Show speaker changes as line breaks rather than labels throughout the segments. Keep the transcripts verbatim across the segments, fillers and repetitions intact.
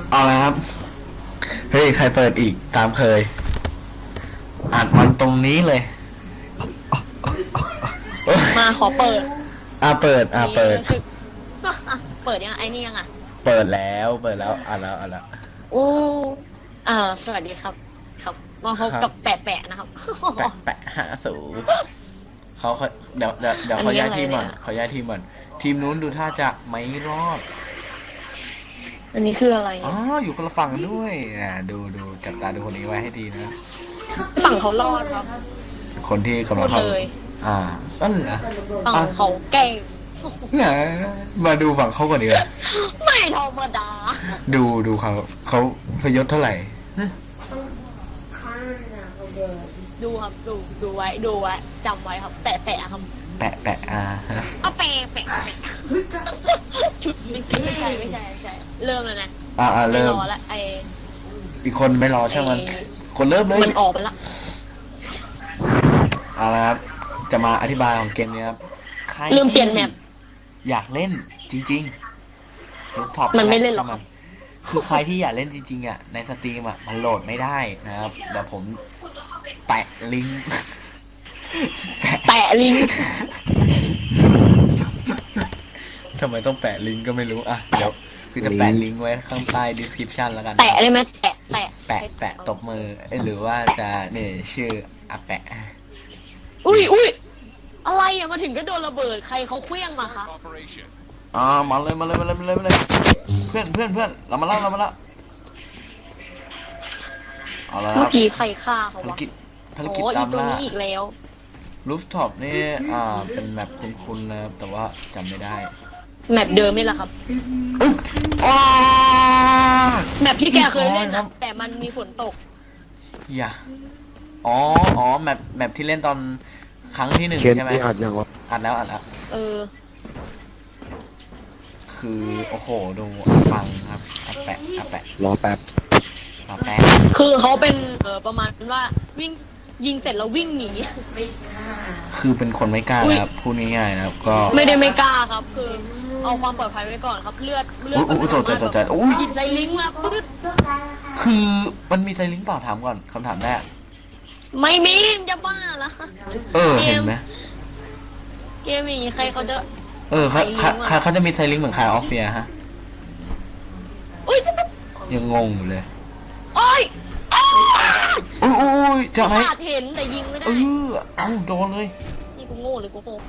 เอาละครับเฮ้ยใครเปิดอีกตามเคยอัดมันตรงนี้เลย
มาขอเปิด
อ่ะเปิดอ่ะเปิด
เปิดยังไอ้นี่ยังอ่ะ
เปิดแล้วเปิดแล้วอ่ะแล้วอ่ะแล้ว
อู้อ่าสวัสดีครับครับมาพบกับแปะแปะนะครับ
แปะแปะหาสูเขาเขาเดี๋ยวเดี๋ยวเดี๋ยวเขาย้ายทีมก่อนเขาย้ายทีมก่อนทีมนู้นดูท่าจะไม่รอด
อันนี้คืออะไร
อ๋ออยู่คนละฝั่งด้วยนะดูดูจับตาดูคนนี้ไว้ให้ดีนะ
ฝั่งเขารอดครับ
คนที่กำลังเข้าอ่านั่นเหรอ
ฝั่งเขาเก่ง
เนี่ยมาดูฝั่งเขาก่อนดีกว่า
ไม่ธรรมดา
ดูดูเขาเขาพยศเท่าไหร่
ดูครับดูดูไว้ดูไว้จำไว้ครับแปะแปะครับ
แปะแปะอ่า
เอาแปะแปะชุดไม่ใช่ไม่ใช่ไม่ใช่เริ่มแล้วนะ
อ่าเริ่ม
แล้วไอ
อีกคนไม่รอใช่ไหมคนเริ่มเลย
มันออกไปละ
เอาละครับจะมาอธิบายของเกมนี้ครับ
ลืมเปลี่ยนแมป
อยากเล่นจริงๆ
มันไม่เล่นหรอก
คือใครที่อยากเล่นจริงๆอ่ะในสตรีมอ่ะมันโหลดไม่ได้นะครับเดี๋ยวผมแปะลิงก์
แปะลิงก์
ทำไมต้องแปะลิงก์ก็ไม่รู้อ่ะเดี๋ยวคือจะแปะลิงก์ไว้ข้างใต้ description แล้วกัน
แปะได้ไหมแปะแปะ
แปะแปะตบมือหรือว่าจะเนี่ยชื่ออะแปะ
อุ้ยอุ้ยอะไรอ่ะมาถึงก็โดนระเบิดใครเขาเคลี้ยงมาคะ
อ่ามาเลยมาเลยมาเลยมาเลยมาเลยเพื่อนเพื่อนเพื่อนเรามาเล่าเรามาเล่าเอาละ
เมื่อกี้ใครฆ่าเขาวะ
ภารกิจภารกิจตามล่า
อีกแล้ว
รูฟท็อปนี่อ่าเป็นแมปคุ้นๆนะครับแต่ว่าจำไม่ได้
แมปเดิมนี่แหละครับแมปที่แกเคยเล่นนะแต่มันมีฝนตก
อย่าอ๋ออ๋อแมปแมปที่เล่นตอนครั้งที่หนึ่งใช่ไหม
อัดยังวะ
อัดแล้วอัดแล้ว
เออ
คือโอ้โหดูฟังครับอาแปะอาแปะ
รอแป๊บ
รอแป๊บ
คือเขาเป็นเออประมาณว่าวิ่งยิงเสร็จแล้ววิ่งหนี
คือเป็นคนไม่กล้าครับพูดง่ายๆนะครับก็
ไม่ได้ไม่กล้าครับคือเอาความปลอดภัยไว้ก่อนครับเลือดเลือด
อุ้ยตัวใจตัวใจอุ้ย
หยิบไซลิงมาปึ๊ด
คือมันมีไซลิงเปล่าถามก่อนคำถามแรก
ไม่มีจะบ้าละ
เออเห็นไหม
เกมนี้ใครเขาจะ
เออเขาเขาเขาจะมีไซลิงเหมือนคายออฟเฟียฮะยังงงอยู่เลย
โอ้ย
โอ้ยจะให้
เห็นแต่ยิงไม่ได้
เออเอ้าโดนเลย
นี่กูโง่เลยกูโง่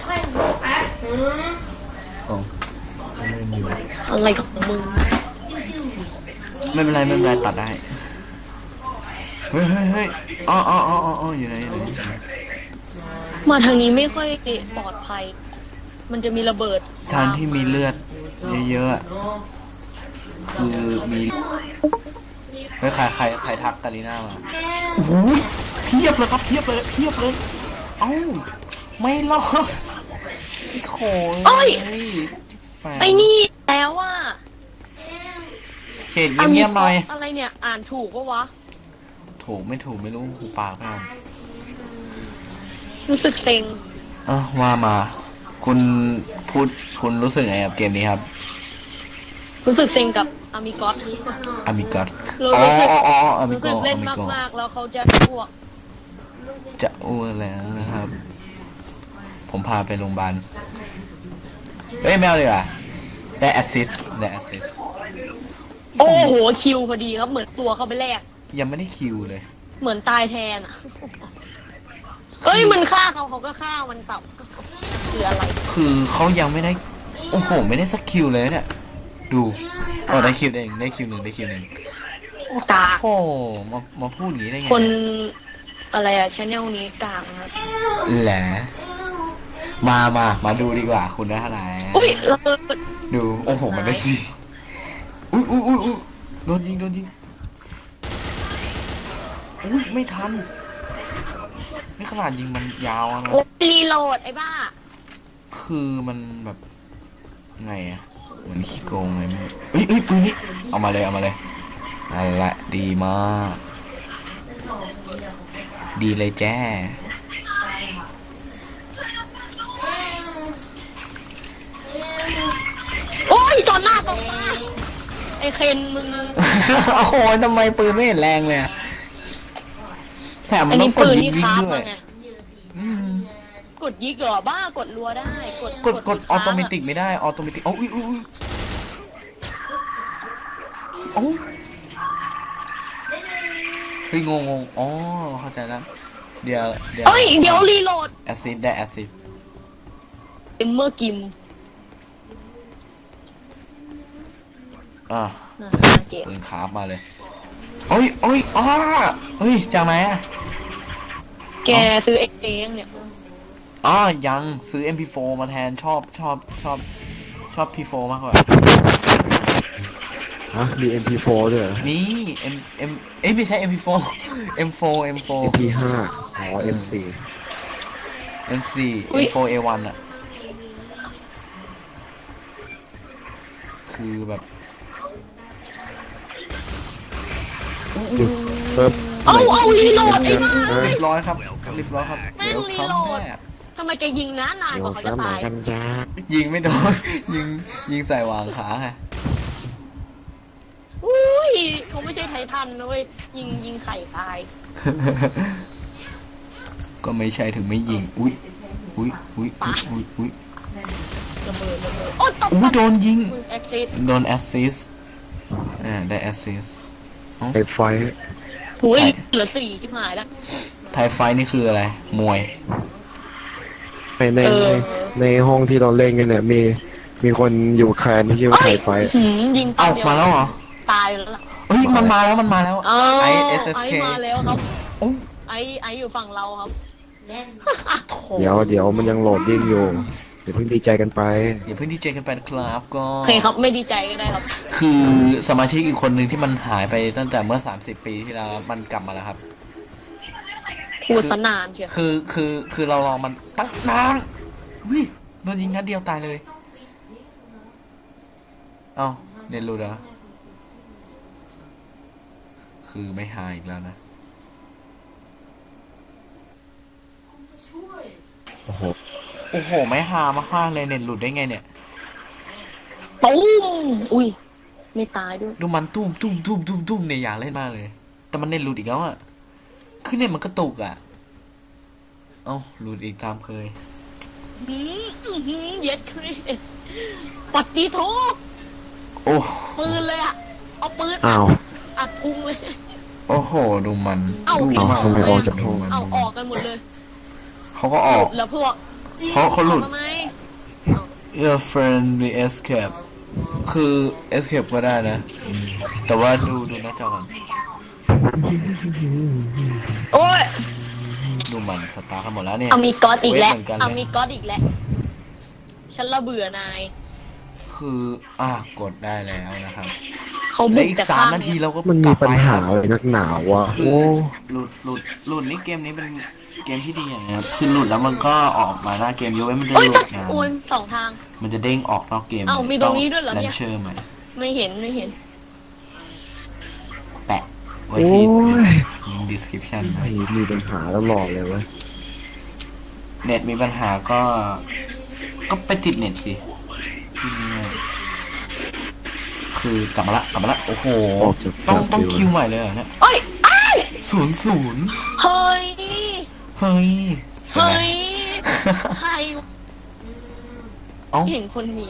อะไรของมึง
ไม่เป็นไรไม่เป็นไรตัดได้เฮ้ยเฮ้ยเฮ้ยอ๋ออ๋ออ๋ออ๋ออยู่ไหนอยู่ไหน
มาทางนี้ไม่ค่อยปลอดภัยมันจะมีระเบิด
ทางที่มีเลือดเยอะๆคือมีเฮ้ยใครใครใครทักกาลิน่ามาโอ้โหเพียบเลยครับเพียบเลยเพียบเลยเอ้าไม่รอดโถ่
เอ้ยไอ้นี่แล้วว่า
เขตเงียบๆหน่อย
อะไรเนี่ยอ่านถูกปะวะ
ถูกไม่ถูกไม่รู้หูปากไม่เอา
รู้สึกเซ็ง
เออว่ามาคุณพูดคุณรู้สึกไงกับเกมนี้ครับ
รู้สึกเซ็งกับอามิกอส
อามิกอส
อ๋อ
อ๋ออามิกอส
เล่นมากๆแล้วเขาจะอ้วก
จะอ้วกแล้วนะครับผมพาไปโรงพยาบาลเฮ้ยแมวดีกว่าได้แอสซิสได้แอสซิส
โอ้โหคิวพอดีครับเหมือนตัวเขาไปแลก
ยังไม่ได้คิวเลย
เหมือนตายแทนอ่ะเอ้ยมันฆ่าเขาเขาก็ฆ่ามันตับคืออะไร
คือเขายังไม่ได้โอ้โหไม่ได้สักคิวเลยเนี่ยดูโอ้ได้คิวเองได้คิวหนึ่งได้คิวหนึ่ง
กา
โอ้มามาพูดอย่างนี้ได้ไง
คนอะไรอะชาแนลนี้กากครับ
แหละมามามาดูดีกว่าคุณได้เท่าไหร่
อุ้ยเรา
ดูโอ้โหมันได้สิอุ้ยอุ้ยอุ้ยอุ้ยโดนยิงโดนยิงอุ้ยไม่ทันนี่ขนาดยิงมันยาวนะ
รีโหลดไอ้บ้า
คือมันแบบไงอะเหมือนขี้โกงไงไม่เฮ้ยเฮ้ยปืนนี้เอามาเลยเอามาเลยนั่นแหละดีมากดีเลยแจ้
โอ้ยจอดหน้าตรงตาไอ้อ้เคนมึง
โอ้โหทำไมปืนไม่เห็นแรงเลยอะแถมมั
อั
น
น
ต้อ
นี้
งกด
ปืน
ยิ
ที่
ง
คราฟ
ด้ว
มาย ไง
อืม
กดยิกเหรอบ้ากดรัวได้กด
กดกดออโตเม
ค้างะ
ติกไม่ได้ออโตเมติกโอ้ยอุ้ยอุ้ยโอ้เฮ้ยงงงอ๋อเข้าใจแล้วเดี๋ยวเดี๋ยว
เอ้ยเดี๋ยวรีโหลด
แอซิดได้แอซิด
เอ็มเมอร์กิม
อ่ะ
น่าเจ็บ
ปืนคราฟมาเลยโอ้ยโอ้ยอ้าเฮ้ยจากไหนอะ
แกซื้อเองเนี่ย
อ๋อยังซื้อ เอ็ม พี โฟร์ มาแทนชอบชอบชอบชอบ พี โฟร์ มากกว่า
ฮะมี เอ็ม พี โฟร์ ด้วยเหรอ
นี่ M M เอ้ยไม่ใช่ เอ็ม พี โฟร์ เอ็ม โฟร์ เอ็ม โฟร์
เอ็ม พี ไฟว์ อ๋อ เอ็ม โฟร์
เอ็ม โฟร์ เอ็ม โฟร์ เอ วัน อ่ะ คือแบบ
ดูเซิร์ฟ
เอาเอารีโหลดไอ้บ้า
เรียบร้อยครับเรียบร้อยครับ
แม่ง
เดี๋ยว
รี
คำ
โหลด
แม่
ทำไมแกยิงนะนานก
เดี๋ยว
ว่าเขา
เซิ
จะ
ร์ฟไหน
ตาย
กันจ้า
ยิงไม่โดน ยิงยิงใส่วางขาไง
อุ้ยเขาไม่ใช่ไททันนะเว้ยยิงยิงไข่ตาย
ก็ไม่ใช่ถึงไม่ยิง อุ้ยอุ้ยอุ้ยอุ้ยอุ้ยอุ้ย
ระเบิดระเบิดโอ้ตบ
อุ้ยโดนยิง
มึงแอคซิส
โดนแอสซิสอ่าได้แอสซิส
ไอไฟท์
หุยเหลือสี่ชิบหายแล้ว
ไทยไฟท์นี่คืออะไร มวย
ในในในในห้องที่เราเล่นกันเนี่ยมีมีคนอยู่แคลนที่ชื่อว่าไทยไฟท์
หืมยิง
เอ้า
เดียว
มาแล้วเหรอ
ตายแล้วล่ะ
เฮ้ยมันมาแล้วมันมาแล้ว
อ้าว
ไอ
ไอ
เอสเอสเค
มาแล้วครับ
โอ้
ไอไออยู่ฝั่งเราครับ
โถ
เดี๋ยวเดี๋ยวมันยังโหลดดิ้งอยู่เดี๋ยวเพิ่งดีใจกันไป
อย่าเพิ่งดีเจกันไปนะครับก็
โอเคครับไม่ดีใจก็ได้ครับ
คือสมาชิกอีกคนหนึ่งที่มันหายไปตั้งแต่เมื่อสามสิบปีที่แล้วมันกลับมาแล้วครับ
พูดสนานเชียว
คือคือคือเรารอมันตั้งนานวิโดนยิงนัดเดียวตายเลย เอ้าเน็ตรูดเหรอคือไม่หายอีกแล้วนะ
โอ้โห
โอ้โห ไม่หามากๆเลยเน็ตหลุดได้ไงเนี่ย
ตุ้มอุ้ยไม่ตายด้วย
ดูมันตุ้มตุ้มตุ้มตุ้มตุ้มเนี่ยอยากเล่นมากเลย แต่มันเน็ตหลุดอีกแล้วอ่ะคือเน็ตมันกระตุกอ่ะ เอ้าหลุดอีกตามเคย
หืมอื้อหือเย็ดครีปัดดีโท
โอ้
ปืนเลยอะเอาปืน
อ้าว
อัดพุงเลย
โอ้โห ดูมัน
เอ้า
ดู
พี่
มั
ทำไมออกจากห้อง
เอาออกกันหมดเลย
เขาก็ออก
แล้วพวก
เขาเขาหลุด
ทำไม
Your friend be escape คือ escape ก็ได้นะ แต่ว่าดูดูหน้าจอก่อน
โอ้ย
ดูมันสตาร์ทกันหมดแล้วเนี่ย
เอามีก๊อตอีกแล้ว
เว้ยเหมือนกันเลย
เอามีก๊อตอีกแล้วฉันละเบื่อนาย
คืออ่ะกดได้แล้วนะครับ
เขา
และ
บุก
อีก
แต่
สาม
ข้าง
นาที
เนี่ย
เราก็
มัน
ก
มี
ลับ
ปัญ
ไป
หาอะไรนักหนาวะ
คือ
โอ้
หลุดหลุดหลุดนี่เกมนี้เป็นเกมที่ดีอย่างเงี้ยคือหลุดแล้วมันก็ออกมาหน้าเกมยกเว้นมันจะห
โอ้ย
ลุ
ตัด
ดนะ
โอ้ยสองทาง
มันจะเด้งออกนอกเกม
เอ้ามีตรงนี้ด้วยเหรอเนี่ย
แลนเชอร์ใหม่
ไม่เห็นไม่เห็น
แปะไว้
โอ้
ที่
ย
ลิงก์ description นะ
ไอ้มีปัญหาแล้วหลอกเลยเว้ย
เน็ตมีปัญหาก็ ก็ไปติดเน็ตสิง่ายๆคือกลับมาละกลับมาละโอ้โห
ออกจาก
ต้อง
แฟลช
ต้อง
เลย
คิวใหม่เลยเหรอเนี่ย
เอ้ยอ้าย
ศูนย์ศูนย์
เฮ้ย
เฮ้ย
เฮ้ยใคร
เอ้า
เห็นคนนี้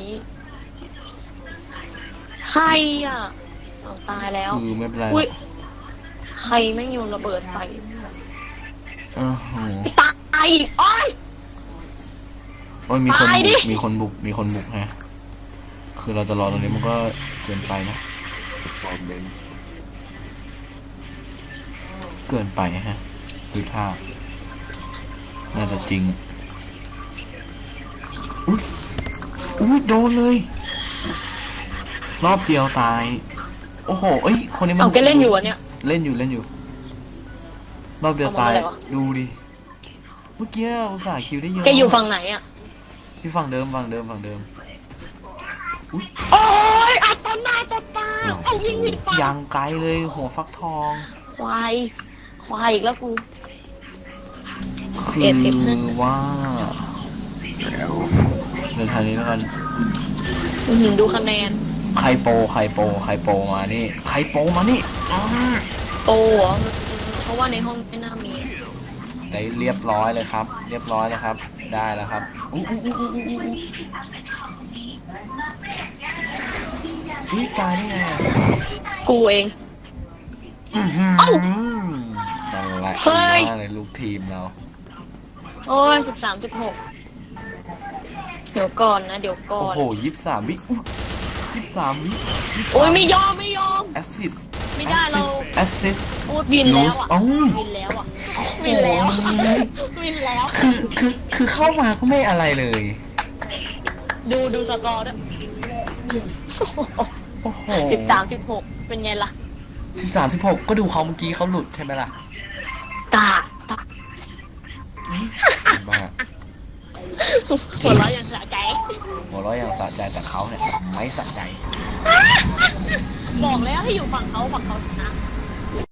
ใครอ่ะเอาตายแล้ว
คือไม่เป็นไร
อุ้ยใครแม่งโยนระเบิดใส่
โอ้โห
ตายอีกโอ้ย
โอ้ยมีคน
ตายดิ
บุกมีคนบุกมีคนบุกฮะคือเราจะรอตรงนี้มันก็เกินไปนะ
ฟอร์มเมน
เกินไปฮะดูท่าน่าจะจริงอุ้ยอุ้ยโดนเลย รอบเดียวตาย โอ้โหเอ้ยคนนี้มัน
เอาแกเล่นอยู่อ่ะเนี่ย
เล่นอยู่เล่นอยู่ รอบเดียวตาย
เอามาอะไรวะ
ดูดิเมื่อกี้อุตส่าห์คิวได้เยอะ
แกอยู่ฝั่งไหนอ่ะ
ที่ฝั่งเดิมฝั่งเดิมฝั่งเดิม
โอ้ยอัดตอนหน้าตอนตาเอายิงผิดฝั่ง
ยางไกลเลยหัวฟักทอง
ควายควายอีกแล้วกู
คื
เอ็ดสิบนะ
อว่าเดินทางนี้แล้วกัน
อื้อหือดูคะแนน
ใครโปรใครโปรใครโปรมานี่ใครโปรมานี่อ้า
โอ้เหรอเพราะว่าในห้องไม่น่ามี
ได้เรียบร้อยเลยครับ เรียบร้อยแล้วครับ ได้แล้วครับอู้อู้อู้อู้อู้อู้นี่ตายได้ไงอะ
กูเอง
อื้อหือ
เอ้า
นั่นแหละ
เฮ้ย
มากเลยลูกทีมเรา
โอ้ยสิบสามสิบหกเดี๋ยวก่อนนะ เดี๋ยวก่อ
โอ้
น
โหยี่สิบสามวิยี่สิบสามวิ
โอ้ยไม่ยอมไม่ยอม
แอสซิส
ไม่ได้เรา
แอสซิส
โอ้ยวินแล้วอ่ะ
เอ้า
วินแล้วอ่ะวินแล้ววินแล้ว
คือคือคือเข้ามาก็ไม่อะไรเลย
ดูดูสกอร์ด้วย
โอ้โห
สิบสามสิบหกเป็นไงล่ะ
สิบสามสิบหกก็ดูเขาเมื่อกี้เขาหลุดใช่ไหมล่ะ
ตาตา
บ้า
หัวเราะยังสะใจ
หัวเราะยังสะใจแต่เขาเนี่ยไม่สะใจ
บอกแล้วให้อยู่ฝั่งเขาฝั่งเขาชนะ